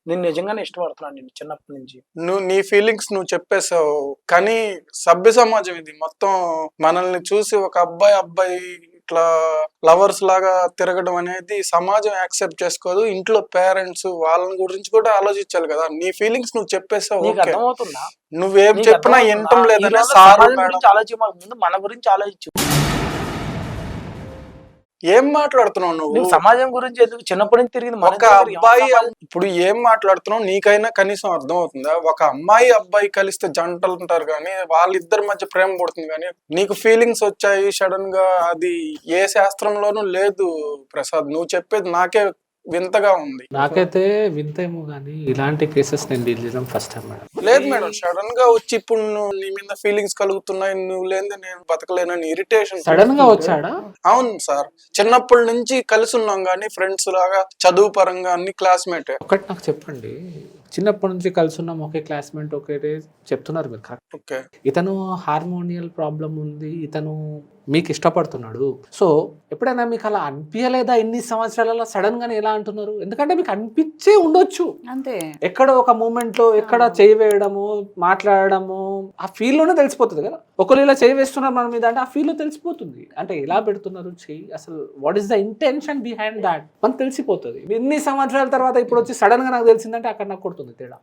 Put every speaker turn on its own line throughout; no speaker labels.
నేను నిజంగానే ఇష్టపడుతున్నాను నిన్ను చిన్నప్పటి నుంచి.
నువ్వు నీ ఫీలింగ్స్ నువ్వు చెప్పేసావు, కానీ సభ్య సమాజం ఇది మొత్తం మనల్ని చూసి ఒక అబ్బాయి ఇట్లా లవర్స్ లాగా తిరగడం అనేది సమాజం యాక్సెప్ట్ చేసుకోదు. ఇంట్లో పేరెంట్స్ వాళ్ళని గురించి కూడా ఆలోచించాలి కదా. నీ ఫీలింగ్స్ నువ్వు చెప్పేసావు,
నీకు
ఓకే.
అర్థమవుతుందా?
నువ్వేం
నీకు
చెప్పినా
అర్థమవుతుందా?
వినటం
ఈ
లేదనే
రోజు
సార్
సమాజం
మేడం.
గురించి ఆలోచించక ముందు మన గురించి ఆలోచించు.
ఏం మాట్లాడుతున్నావు నువ్వు?
నీకు సమాజం గురించి ఎందుకు? చిన్నప్పటి నుంచి తిరిగింది మన
ఒక అబ్బాయి ఇప్పుడు ఏం మాట్లాడుతున్నావు నీకైనా కనీసం అర్థం అవుతుందా? ఒక అమ్మాయి అబ్బాయి కలిస్తే జంటలు ఉంటారు కానీ వాళ్ళిద్దరి మధ్య ప్రేమ పుడుతుంది, కానీ నీకు ఫీలింగ్స్ వచ్చాయి సడన్ గా, అది ఏ శాస్త్రంలోనూ లేదు ప్రసాద్. నువ్వు చెప్పేది నాకే వింతగా ఉంది.
నాకైతే వింతేమో కానీ ఇలాంటి కేసెస్ నేను డీల్ చేయడం ఫస్ట్ టైం మేడం.
లేదు మేడం, సడన్ గా వచ్చి ఇప్పుడు నువ్వు నీ మీద ఫీలింగ్స్ కలుగుతున్నాయి, నువ్వు లేని నేను బతకలేనని ఇరిటేషన్
సడన్ గా వచ్చాడా?
అవును సార్, చిన్నప్పటి నుంచి కలిసి ఉన్నాం కానీ ఫ్రెండ్స్ లాగా, చదువు పరంగా అన్ని క్లాస్మేట్.
ఒకటి నాకు చెప్పండి, చిన్నప్పటి నుంచి కలిసి ఉన్నాం, ఒకే క్లాస్మేట్, ఒకే చెప్తున్నారు మీరు కరెక్ట్.
ఓకే,
ఇతను హార్మోనియల్ ప్రాబ్లం ఉంది, ఇతను మీకు ఇష్టపడుతున్నాడు. సో ఎప్పుడైనా మీకు అలా అనిపించలేదా ఇన్ని సంవత్సరాలలో సడన్ గానే ఎలా అంటున్నారు? ఎందుకంటే మీకు అనిపించే ఉండొచ్చు
అంతే,
ఎక్కడో ఒక మూమెంట్ లో ఎక్కడ చేయి వేయడము, మాట్లాడడము, ఆ ఫీల్ లోనే తెలిసిపోతుంది కదా. ఒకరు ఇలా చేయి వేస్తున్నారు మన మీద అంటే ఆ ఫీల్ లో తెలిసిపోతుంది. అంటే ఎలా పెడుతున్నారు చేయి, అసలు what is the intention behind that మనకు తెలిసిపోతుంది. ఇన్ని సంవత్సరాల తర్వాత ఇప్పుడు వచ్చి సడన్ గా నాకు తెలిసిందంటే అక్కడ నాకు కొడుతుంది తేడా.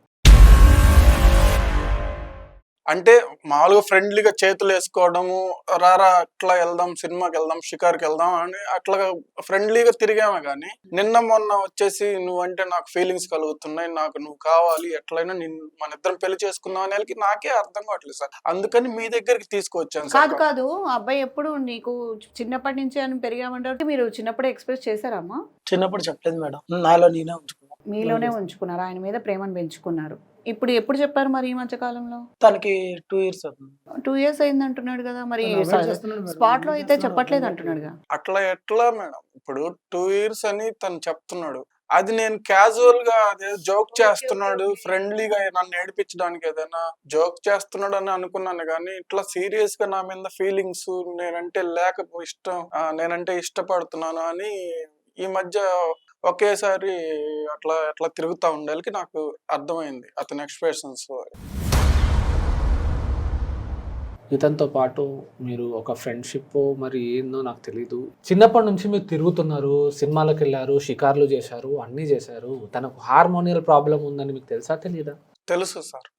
అంటే మామూలుగా ఫ్రెండ్లీగా చేతులు వేసుకోవడము, రారా అట్లా వెళ్దాం, సినిమాకి వెళ్దాం, షికార్కి వెళ్దాం అని అట్లా ఫ్రెండ్లీగా తిరిగామే కానీ నిన్న మొన్న వచ్చేసి నువ్వంటే నాకు ఫీలింగ్స్ కలుగుతున్నాయి, నాకు నువ్వు కావాలి, ఎట్లయినా మన ఇద్దరం పెళ్లి చేసుకుందాం అనేది నాకే అర్థం కావట్లేదు సార్. అందుకని మీ దగ్గరికి తీసుకొచ్చాను సార్.
కాదు అబ్బాయి ఎప్పుడు నీకు చిన్నప్పటి నుంచి అని పెరిగామంటే మీరు చిన్నప్పుడే ఎక్స్ప్రెస్ చేశారమ్మా?
చిన్నప్పుడు చెప్పలేదు మేడం, నాలో నేనే ఉంచుకున్నాను.
మీలోనే ఉంచుకున్నారు, ఆయన మీద ప్రేమను పెంచుకున్నారు. ఇప్పుడు ఎప్పుడు చెప్పారు మరి ఈ మధ్య కాలంలో?
తనకి 2 years అవుతుంది.
2 years అయింది అంటున్నాడు కదా, మరి స్పాట్ లో అయితే చెప్పట్లేదు అంటున్నాడుగా.
అట్లా ఎట్లా మేడం, ఇప్పుడు 2 years అని తను చెప్తున్నాడు, అది నేను క్యాజువల్ గా అదే జోక్ చేస్తున్నాడు, ఫ్రెండ్లీగా నన్ను ఏడిపించడానికి ఏదైనా జోక్ చేస్తున్నాడు అని అనుకున్నాను, కానీ ఇట్లా సీరియస్ గా నా మీద ఫీలింగ్స్, నేనంటే ఇష్టం, నేనంటే ఇష్టపడుతున్నాను అని ఈ మధ్య ఒకేసారి అట్లా తిరుగుతా ఉండాలికి నాకు అర్థమైంది అతని ఎక్స్ప్రెషన్స్.
ఇతనితో పాటు మీరు ఒక ఫ్రెండ్షిప్ మరి ఏందో నాకు తెలీదు. చిన్నప్పటి నుంచి మీరు తిరుగుతున్నారు, సినిమాలకు వెళ్ళారు, షికార్లు చేశారు, అన్నీ చేశారు. తనకు హార్మోనియల్ ప్రాబ్లం ఉందని మీకు తెలుసా తెలీదా?
తెలుసు సార్.